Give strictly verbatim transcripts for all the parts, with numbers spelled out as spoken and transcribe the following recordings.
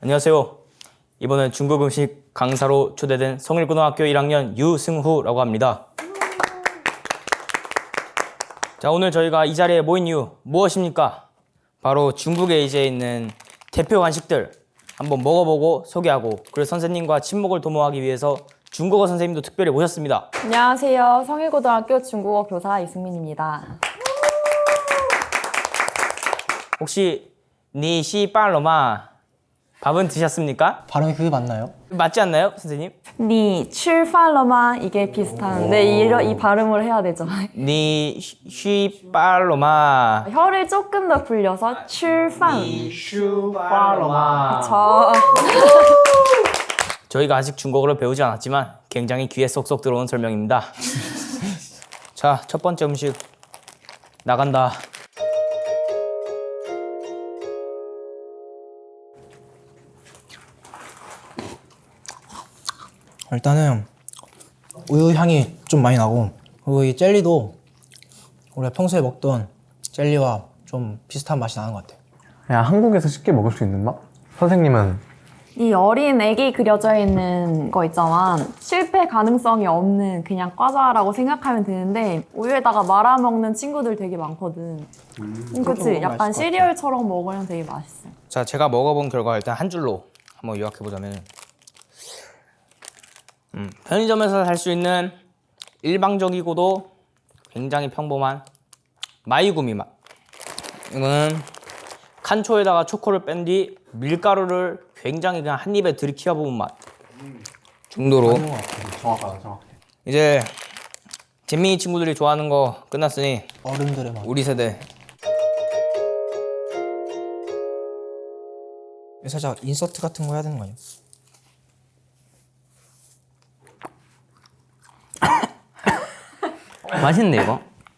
안녕하세요. 이번엔 중국 음식 강사로 초대된 성일고등학교 일 학년 유승후라고 합니다. 자, 오늘 저희가 이 자리에 모인 이유 무엇입니까? 바로 중국에 이제 있는 대표 간식들 한번 먹어보고 소개하고, 그리고 선생님과 친목을 도모하기 위해서 중국어 선생님도 특별히 모셨습니다. 안녕하세요. 성일고등학교 중국어 교사 이승민입니다. 혹시 니시 빨로마 밥은 드셨습니까? 발음이 그게 맞나요? 맞지 않나요, 선생님? 니 출팔러마 이게 비슷한데 이, 이 발음을 해야 되죠. 니시 빨로마 혀를 조금 더 굴려서 출판. 니슈 빨로마. 저 저희가 아직 중국어를 배우지 않았지만 굉장히 귀에 쏙쏙 들어오는 설명입니다. 자, 첫 번째 음식 나간다. 일단은 우유 향이 좀 많이 나고, 그리고 이 젤리도 우리가 평소에 먹던 젤리와 좀 비슷한 맛이 나는 것 같아요. 그냥 한국에서 쉽게 먹을 수 있는 맛? 선생님은 이 어린 애기 그려져 있는 거 있잖아. 실패 가능성이 없는 그냥 과자라고 생각하면 되는데 우유에다가 말아 먹는 친구들 되게 많거든. 음, 그치? 약간 시리얼처럼 먹으면 되게 맛있어. 자, 제가 먹어본 결과 일단 한 줄로 한번 요약해보자면 음, 편의점에서 살 수 있는 일방적이고도 굉장히 평범한 마이구미 맛. 이거는 칸초에다가 초코를 뺀 뒤 밀가루를 굉장히 그냥 한 입에 들이키워 부은 맛 정도로. 정확하다, 정확해. 이제 재민이 친구들이 좋아하는 거 끝났으니 어른들의 맛. 우리 세대. 살짝 인서트 같은 거 해야 되는 거 아니야? 맛있네 이거.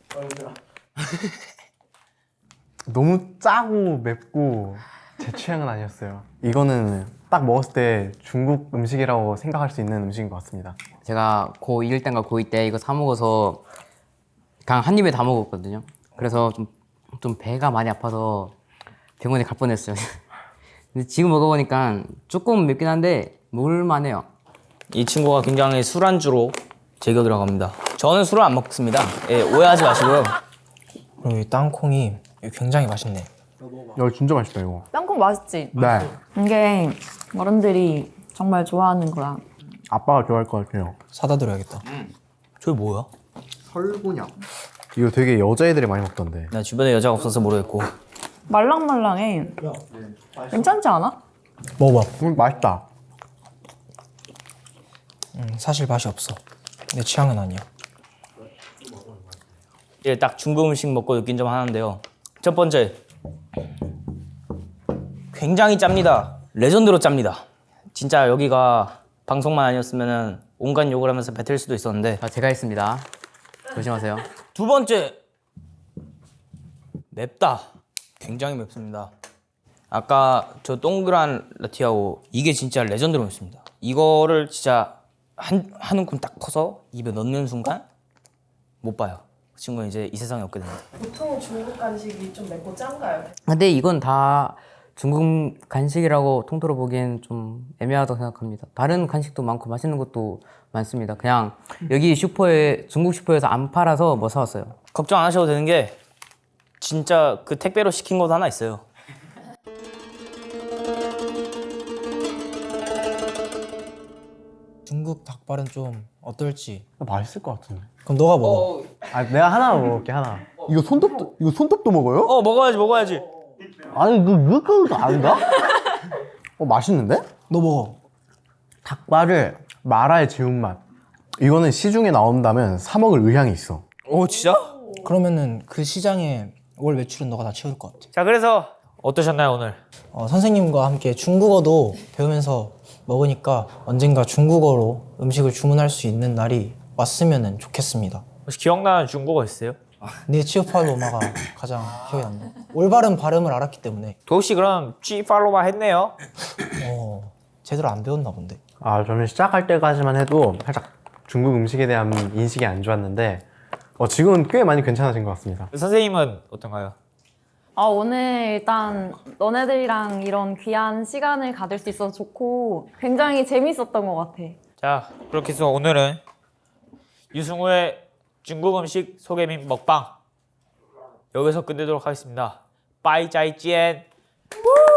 너무 짜고 맵고 제 취향은 아니었어요. 이거는 딱 먹었을 때 중국 음식이라고 생각할 수 있는 음식인 것 같습니다. 제가 고일 때인가 고이 때 이거 사 먹어서 그냥 한 입에 다 먹었거든요. 그래서 좀, 좀 배가 많이 아파서 병원에 갈 뻔했어요. 근데 지금 먹어보니까 조금 맵긴 한데 먹을만해요. 이 친구가 굉장히 술안주로 제격이라고 합니다. 저는 술을 안 먹습니다. 예, 오해하지 마시고요. 그리고 이 땅콩이 굉장히 맛있네. 야, 진짜 맛있다 이거. 땅콩 맛있지? 네. 이게 어른들이 정말 좋아하는 거라. 아빠가 좋아할 것 같아요. 사다 드려야겠다. 저게 뭐야? 설곤약. 이거 되게 여자애들이 많이 먹던데. 나 주변에 여자가 없어서 모르겠고. 말랑말랑해. 괜찮지 않아? 먹어봐. 음, 맛있다. 음, 사실 맛이 없어. 내 취향은 아니야. 이제 딱 중국 음식 먹고 느낀 점 하나인데요. 첫 번째, 굉장히 짭니다. 레전드로 짭니다. 진짜 여기가 방송만 아니었으면 온갖 욕을 하면서 뱉을 수도 있었는데. 자, 제가 했습니다. 조심하세요. 두 번째, 맵다. 굉장히 맵습니다. 아까 저 동그란 라티아오, 이게 진짜 레전드로 맵습니다. 이거를 진짜 한, 한 움큼 딱 커서 입에 넣는 순간 못 봐요. 그 친구는 이제 이 세상에 없게 됩니다. 보통 중국 간식이 좀 맵고 짠가요? 근데 이건 다 중국 간식이라고 통틀어 보기엔 좀 애매하다고 생각합니다. 다른 간식도 많고 맛있는 것도 많습니다. 그냥 여기 슈퍼에, 중국 슈퍼에서 안 팔아서 뭐 사왔어요. 걱정 안 하셔도 되는 게 진짜 그 택배로 시킨 것도 하나 있어요. 중국 닭발은 좀 어떨지. 맛있을 것 같은데. 그럼 너가 먹어. 아, 내가 하나 먹을게, 하나. 이거 손톱도 이거 손톱도 먹어요? 어, 먹어야지 먹어야지. 아니, 그 그거 아닌가? 어, 맛있는데? 너 먹어. 닭발을 마라의 매운맛. 이거는 시중에 나온다면 사 먹을 의향이 있어. 오, 진짜? 그러면은 그 시장에 월 매출은 너가 다 채울 것 같아. 자, 그래서 어떠셨나요 오늘? 어, 선생님과 함께 중국어도 배우면서 먹으니까 언젠가 중국어로 음식을 주문할 수 있는 날이 왔으면 좋겠습니다. 혹시 기억나는 중국어 있어요? 네 치오팔로마가 가장 기억에 남네. 올바른 발음을 알았기 때문에. 도시 그럼 G 팔로마 했네요. 어, 제대로 안 배웠나 본데. 아, 저는 시작할 때까지만 해도 살짝 중국 음식에 대한 인식이 안 좋았는데 어, 지금은 꽤 많이 괜찮아진 것 같습니다. 선생님은 어떤가요? 아, 오늘 일단 너네들이랑 이런 귀한 시간을 가질 수 있어서 좋고 굉장히 재밌었던 것 같아. 자, 그렇게 해서 오늘은 유승우의 중국 음식 소개 및 먹방 여기서 끝내도록 하겠습니다. 빠이 짜이 찌엔.